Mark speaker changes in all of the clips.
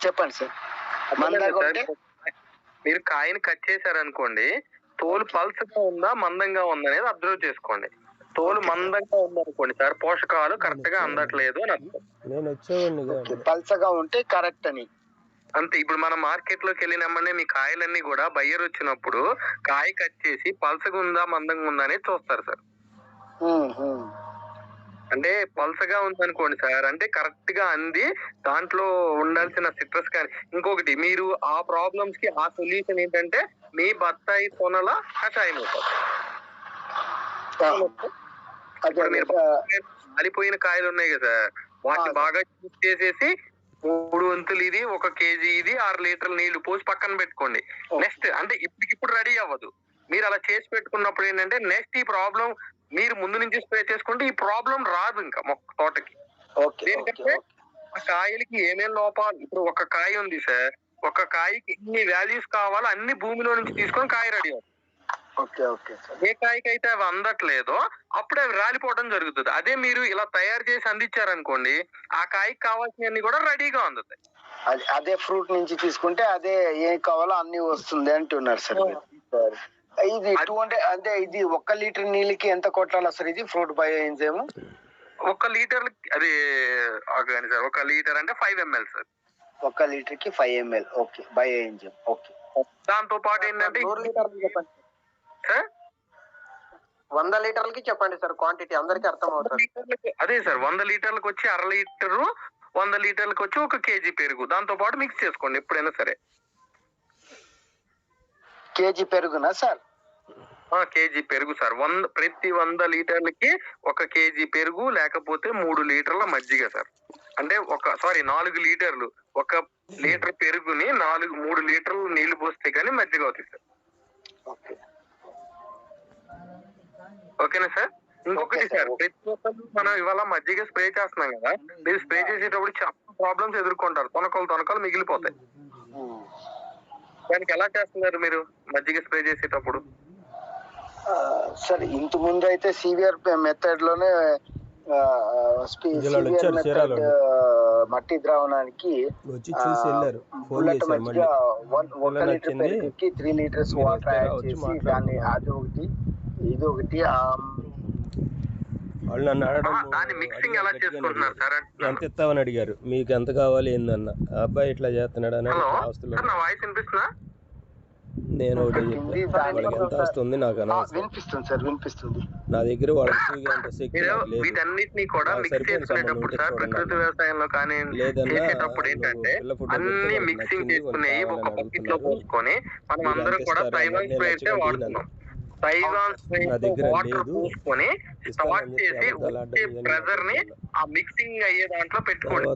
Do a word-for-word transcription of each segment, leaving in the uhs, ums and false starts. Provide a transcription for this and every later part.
Speaker 1: చెప్పండి సార్. మందంగా ఉంటే
Speaker 2: మీరు కాయని కట్ చేశారనుకోండి, తోలు పల్సగా ఉందా మందంగా ఉందా అనేది అబ్జర్వ్ చేసుకోండి. తోలు మందంగా ఉందనుకోండి సార్, పోషకాలు కరెక్ట్ గా అందట్లేదు అని అర్థం.
Speaker 3: నేను వచ్చేవాడిని
Speaker 1: పల్సగా ఉంటే కరెక్ట్ అని
Speaker 2: అంతే. ఇప్పుడు మనం మార్కెట్ లోకి వెళ్ళినామనే మీ కాయలన్నీ కూడా బయ్యర్ వచ్చినప్పుడు కాయ కట్ చేసి పల్సగా ఉందా మందంగా ఉందా అనేది చూస్తారు సార్. అంటే పల్సగా ఉందనుకోండి సార్, అంటే కరెక్ట్ గా అంది దాంట్లో ఉండాల్సిన సిట్రస్ కానీ. ఇంకొకటి, మీరు ఆ ప్రాబ్లమ్స్ కి ఆ సొల్యూషన్ ఏంటంటే మీ బత్తాయి కొనల కషాయం అవుతుంది. కాలిపోయిన కాయలు ఉన్నాయి కదా సార్, వాటిని బాగా యూజ్ చేసేసి మూడు వంతులు ఇది, ఒక కేజీ ఇది, ఆరు లీటర్ల నీళ్లు పోసి పక్కన పెట్టుకోండి. నెక్స్ట్ అంటే ఇప్పటికిప్పుడు రెడీ అవ్వదు. మీరు అలా చేసి పెట్టుకున్నప్పుడు ఏంటంటే నెక్స్ట్ ఈ ప్రాబ్లం మీరు ముందు నుంచి స్ప్రే చేసుకుంటే ఈ ప్రాబ్లం రాదు ఇంకా మొక్క తోటకి. ఎందుకంటే ఆ కాయలకి ఏమేం లోపాలు, ఇప్పుడు ఒక కాయ ఉంది సార్, ఒక కాయకి ఎన్ని వాల్యూస్ కావాలో అన్ని భూమిలో నుంచి తీసుకొని కాయ రెడీ అవుతుంది. ఏ కాయకి అయితే అవి అందట్లేదో అప్పుడే అవి రాలిపోవడం జరుగుతుంది. అదే మీరు ఇలా తయారు చేసి అందించారనుకోండి, ఆ కాయకి కావాల్సినవన్నీ కూడా రెడీగా అందుతాయి.
Speaker 1: అదే ఫ్రూట్ నుంచి తీసుకుంటే అదే ఏం కావాలో అన్ని వస్తుంది అంటున్నారు సార్. ఇది టూ హండ్రెడ్ అంటే ఇది ఒక్క లీటర్ నీళ్ళకి ఎంత కొట్టాలి సార్? ఇది ఫ్రూట్ బయో ఎంజైమ్
Speaker 2: ఒక లీటర్ అది సార్, ఒక లీటర్ అంటే ఫైవ్ ఎంఎల్ సార్.
Speaker 1: ఒక లీటర్ కి five ML okay bio enzyme. Okay.
Speaker 2: దాంతో పాటు ఏంటంటే
Speaker 4: వంద లీటర్లకి చెప్పండి సార్ క్వాంటిటీ, అందరికి అర్థం అవుతుంది.
Speaker 2: అదే సార్, వంద లీటర్లకు వచ్చి అర లీటరు, వంద లీటర్లకు వచ్చి ఒక కేజీ పెరుగు దాంతో పాటు మిక్స్ చేసుకోండి ఎప్పుడైనా సరే.
Speaker 1: కేజీ పెరుగునా సార్?
Speaker 2: కేజీ పెరుగు సార్. వంద ప్రతి వంద లీటర్లకి ఒక కేజీ పెరుగు, లేకపోతే మూడు లీటర్ల మజ్జిగ సార్. అంటే ఒక సారీ నాలుగు లీటర్లు, ఒక లీటర్ పెరుగుని నాలుగు మూడు లీటర్లు నీళ్లు పోస్తే కానీ మజ్జిగ అవుతుంది సార్. ఓకేనా సార్? ఇంకొకటి సార్, ప్రతి ఒక్కరు మనం ఇవాళ మజ్జిగ స్ప్రే చేస్తున్నాం కదా, మీరు స్ప్రే చేసేటప్పుడు చాలా ప్రాబ్లమ్స్ ఎదుర్కొంటారు. తొనకలు తొనకలు మిగిలిపోతాయి. దానికి ఎలా చేస్తున్నారు మీరు మజ్జిగ స్ప్రే చేసేటప్పుడు?
Speaker 1: సార్ ఇంత ముందు అయితే సివిఆర్ మెథడ్ లోనే మట్టి ద్రావణానికి ఒక లీటర్ పెరుగుకి త్రీ లీటర్స్ వాటర్ యాడ్ చేసి దాన్ని అది ఒకటి ఇది ఒకటి
Speaker 3: వాళ్ళు నన్ను అడగడం ఎంత ఇస్తామని అడిగారు, మీకు ఎంత కావాలి ఏందన్న. అబ్బాయి ఇట్లా చేస్తున్నాడు అని ఆస్తులు. నేను ఒకటి వాళ్ళకి ఎంత వస్తుంది నాకు
Speaker 1: వినిపిస్తుంది సార్, వినిపిస్తుంది.
Speaker 3: నా దగ్గర వాళ్ళకి
Speaker 2: వీటన్నిటిని కూడా మిక్స్ చేసుకునేటప్పుడు సార్, ప్రకృతి వ్యవసాయంలో కానీ చేసేటప్పుడు ఏంటంటే అన్ని మిక్సింగ్ చేసుకునేవి ఒక బకెట్ లో పోసుకొని మనం అందరం కూడా తైవాన్ స్ప్రే అయితే వాడుతున్నాం. తైవాన్ స్ప్రే వాటర్ పోసుకొని స్టార్ట్ చేసి వచ్చే ప్రెజర్ ని ఆ మిక్సింగ్ అయ్యే దాంట్లో పెట్టుకోండి.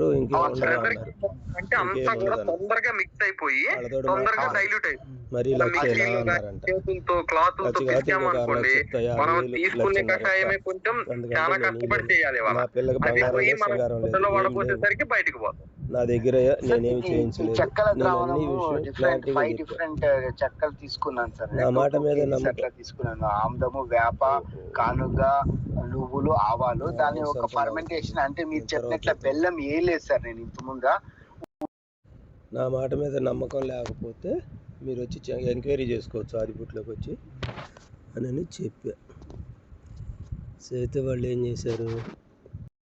Speaker 2: అంటే అంతా కూడా తొందరగా మిక్స్ అయిపోయి తొందరగా డైల్యూట్ అయిపోయి చేతులతో క్లాత్ తో తెచ్చామనుకోండి, మనం తీసుకునే కషాయమే కొంచెం చాలా కష్టపడి చేయాలి. అది పోయి మనం వడపోసేసరికి బయటకు పోతాం.
Speaker 3: నా దగ్గర నేనేమి చేయించలేదు.
Speaker 1: చెక్కల ద్రావణము డిఫరెంట్ ఫైవ్ డిఫరెంట్ చెక్కలు తీసుకున్నాను సార్.
Speaker 3: నా మాట మీద
Speaker 1: నమ్మకం తీసుకున్నాను. ఆముదము, వేప, కానుగ, నువ్వులు, ఆవాలు. దాని ఒక ఫర్మెంటేషన్ అంటే మీరు చెప్పినట్ల బెల్లం ఏ లేదు సార్. నేను ఇంత ముందా
Speaker 3: నా మాట మీద నమ్మకం లేకపోతే మీరు వచ్చి ఎంక్వైరీ చేసుకోవచ్చు ఆదిపుట్లోకి వచ్చి అని చెప్పా. అయితే వాళ్ళు ఏం చేశారు,